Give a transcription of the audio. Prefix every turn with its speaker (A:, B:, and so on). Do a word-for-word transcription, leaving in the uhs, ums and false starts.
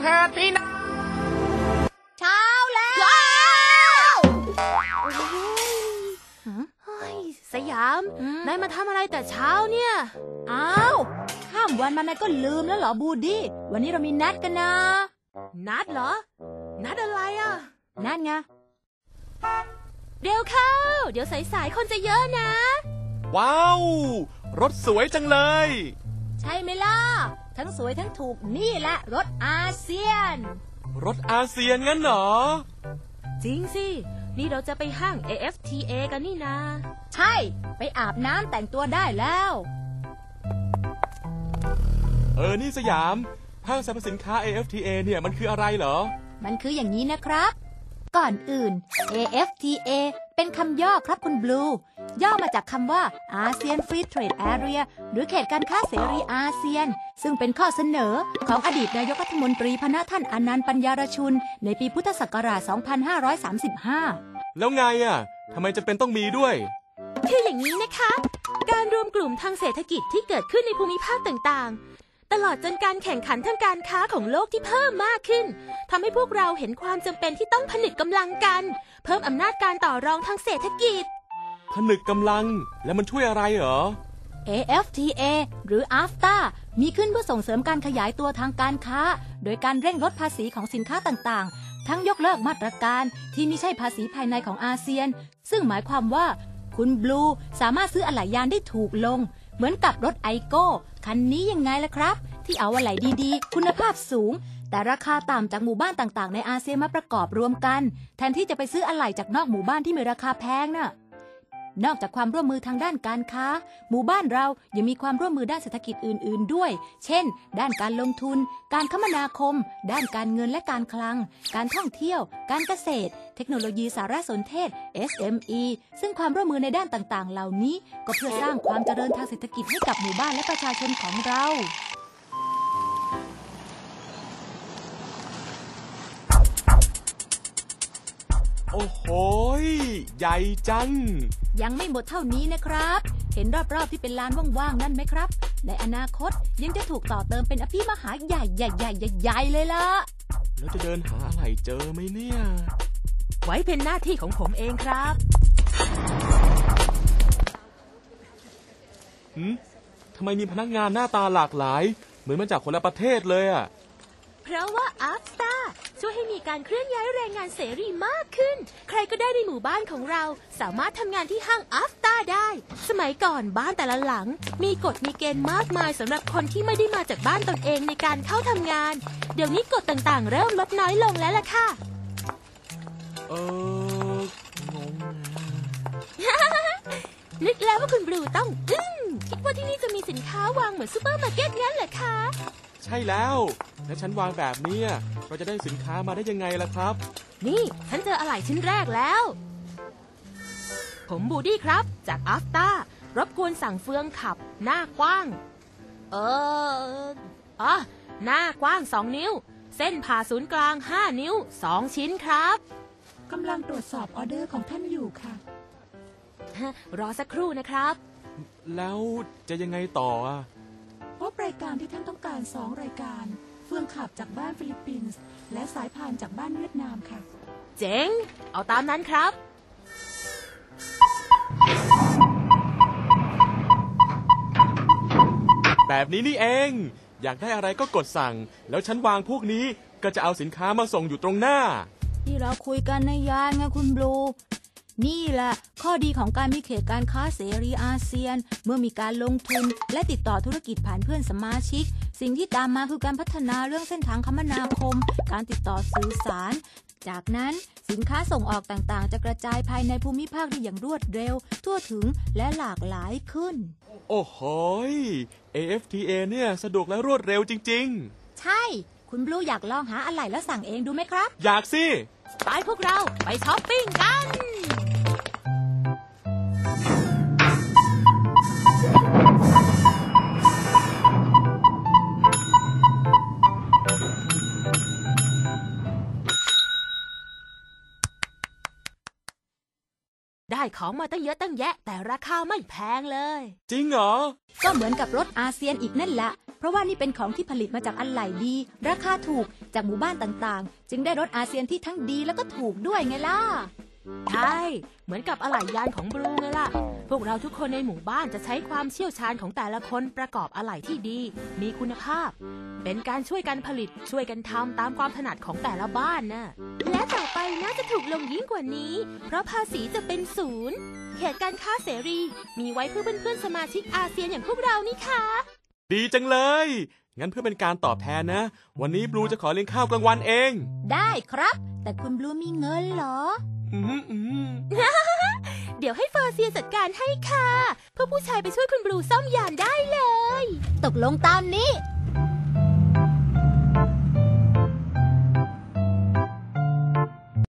A: ถิดพี่น้อง
B: เช้าแล้ว
C: สยามนายมาทำอะไรแต่เช้าเนี่ย
B: อ้าวข้ามวันมานายก็ลืมแล้วเหรอบูดี้วันนี้เรามีนัดกันนะ
C: นัดเหรอนัดอะไรอ่ะ
B: นัดไง
C: เร็วเข้าเดี๋ยวสายๆคนจะเยอะนะ
A: ว้าวรถสวยจังเลย
B: ใช่ไหมล่ะทั้งสวยทั้งถูกนี่แหละรถอาเซียน
A: รถอาเซียนงั้นเหรอ
C: จริงสินี่เราจะไปห้าง เอ เอฟ ที เอ กันนี่นา
B: ใช่ไปอาบน้ำแต่งตัวได้แล้ว
A: เออนี่สยามห้างสรรพสินค้า เอ เอฟ ที เอ เนี่ยมันคืออะไรเหรอ
B: มันคืออย่างนี้นะครับก่อนอื่น เอ เอฟ ที เอ เป็นคำย่อครับคุณบลูย่อมาจากคำว่า ASEAN Free Trade Area หรือเขตการค้าเสรีอาเซียนซึ่งเป็นข้อเสนอของอดีตนายกรัฐมนตรีพนะท่านอนันต์ปัญญารชุนในปีพุทธศักราช สองพันห้าร้อยสามสิบห้า
A: แล้วไงอ่ะทำไมจะเป็นต้องมีด้วย
C: คืออย่างนี้นะคะการรวมกลุ่มทางเศรษฐกิจที่เกิดขึ้นในภูมิภาคต่างๆตลอดจนการแข่งขันทางการค้าของโลกที่เพิ่มมากขึ้นทำให้พวกเราเห็นความจำเป็นที่ต้องผนึกกำลังกันเพิ่มอำนาจการต่อรองทางเศรษฐกิจ
A: ผนึกกำลังแล้วมันช่วยอะไรเหรอ
B: เอ เอฟ ที เอ หรือ อาฟตา มีขึ้นเพื่อส่งเสริมการขยายตัวทางการค้าโดยการเร่งลดภาษีของสินค้าต่างๆทั้งยกเลิกมาตรการที่ไม่ใช่ภาษีภายในของอาเซียนซึ่งหมายความว่าคุณบลูสามารถซื้ออะไหล่ยานได้ถูกลงเหมือนกับรถไอโก้คันนี้ยังไงล่ะครับที่เอาอะไหล่ดีๆคุณภาพสูงแต่ราคาต่ำจากหมู่บ้านต่างๆในอาเซียนมาประกอบรวมกันแทนที่จะไปซื้ออะไหล่จากนอกหมู่บ้านที่มีราคาแพงน่ะนอกจากความร่วมมือทางด้านการค้าหมู่บ้านเรายังมีความร่วมมือด้านเศรษฐกิจอื่นๆด้วยเช่นด้านการลงทุนการคมนาคมด้านการเงินและการคลังการท่องเที่ยวการเกษตรเทคโนโลยีสารสนเทศ เอส เอ็ม อี ซึ่งความร่วมมือในด้านต่างๆเหล่านี้ก็เพื่อสร้างความเจริญทางเศรษฐกิจให้กับหมู่บ้านและประชาชนของเรา
A: โอ้โหใหญ่จัง
B: ยังไม่หมดเท่านี้นะครับเห็นรอบๆที่เป็นลานว่างๆนั่นไหมครับในอนาคตยังจะถูกต่อเติมเป็นอภิมหาใหญ่ใหญ่ใหญ่ใหญ่เลยล่ะ
A: แล้วจะเดินหาอะไรเจอไหมเนี่ย
C: ไว้เป็นหน้าที่ของผมเองครับ
A: หืมทำไมมีพนักงานหน้าตาหลากหลายเหมือนมาจากคนละประเทศเลยอ่ะ
C: เพราะว่า อาฟตา ช่วยให้มีการเคลื่อนย้ายแรงงานเสรีมากขึ้นใครก็ได้ในหมู่บ้านของเราสามารถทำงานที่ห้าง อาฟตา ได้สมัยก่อนบ้านแต่ละหลังมีกฎมีเกณฑ์มากมายสำหรับคนที่ไม่ได้มาจากบ้านตนเองในการเข้าทำงานเดี๋ยวนี้กฎต่างๆเริ่มลดน้อยลงแล้วล่ะค่ะ
A: เอองง
C: นึกแล้วว่าคุณบลูต้องอึ้งคิดว่าที่นี่จะมีสินค้าวางเหมือนซูเปอร์มาร์เก็ตงั้นเหรอคะ
A: ใช่แล้วและฉันวางแบบนี้เราจะได้สินค้ามาได้ยังไงล่ะครับ
C: นี่ฉันเจออะไหล่ชิ้นแรกแล้วผมบูดี้ครับจาก อาฟตา รบกวนสั่งเฟืองขับหน้ากว้างเอออ๋อหน้ากว้างสองนิ้วเส้นผ่าศูนย์กลางห้านิ้วสองชิ้นครับ
B: กำลังตรวจสอบออเดอร์ของท่านอยู่ค่ะ
C: รอสักครู่นะครับ
A: แล้วจะยังไงต่ออ่ะ
B: พบรายการที่ท่านต้องการสองรายการเฟืองขับจากบ้านฟิลิปปินส์และสายพานจากบ้านเวียดนามค่ะ
C: เจ๋งเอาตามนั้นครับ
A: แบบนี้นี่เองอยากได้อะไรก็กดสั่งแล้วฉันวางพวกนี้ก็จะเอาสินค้ามาส่งอยู่ตรงหน้า
B: ที่เราคุยกันในยานไงคุณบลูนี่แหละข้อดีของการมีเขตการค้าเสรีอาเซียนเมื่อมีการลงทุนและติดต่อธุรกิจผ่านเพื่อนสมาชิกสิ่งที่ตามมาคือการพัฒนาเรื่องเส้นทางคมนาคมการติดต่อสื่อสารจากนั้นสินค้าส่งออกต่างๆจะกระจายภายในภูมิภาคได้อย่างรวดเร็วทั่วถึงและหลากหลายขึ้น
A: โอ้โห เอ เอฟ ที เอ เนี่ยสะดวกและรวดเร็วจริง
B: ๆใช่คุณบลูอยากลองหาอะไหล่แล้วสั่งเองดูไหมครับ
A: อยากสิ
C: ไปพวกเราไปช้อปปิ้งกันได้ของมาตั้งเยอะตั้งแยะแต่ราคาไม่แพงเลย
A: จริงเหรอ
B: ก็เหมือนกับรถอาเซียนอีกนั่นแหละเพราะว่านี่เป็นของที่ผลิตมาจากอะไหล่ดี ราคาถูกจากหมู่บ้านต่างๆ จึงได้รถอาเซียนที่ทั้งดีแล้วก็ถูกด้วยไงล่ะ
C: ใช่เหมือนกับอะไหล่ยานของบรูไงล่ะพวกเราทุกคนในหมู่บ้านจะใช้ความเชี่ยวชาญของแต่ละคนประกอบอะไหล่ที่ดี มีคุณภาพ เป็นการช่วยกันผลิตช่วยกันทำตามความถนัดของแต่ละบ้านน่ะและต่อไปน่าจะถูกลงยิ่งกว่านี้ เพราะภาษีจะเป็นศูนย์เขตการค้าเสรี มีไว้เพื่อเพื่อนๆสมาชิกอาเซียนอย่างพวกเรานี่ค่ะ
A: ดีจังเลย งั้นเพื่อเป็นการตอบแทนนะ วันนี้บลูจะขอเลี้ยงข้าวกลางวันเอง
B: ได้ครับ แต่คุณบลูมีเงินเหรอ
A: อืมอืม
C: เดี๋ยวให้เฟอร์เซียจัดการให้ค่ะเพื่อผู้ชายไปช่วยคุณบลูซ่อมยานได้เลย
B: ตกลงตามนี้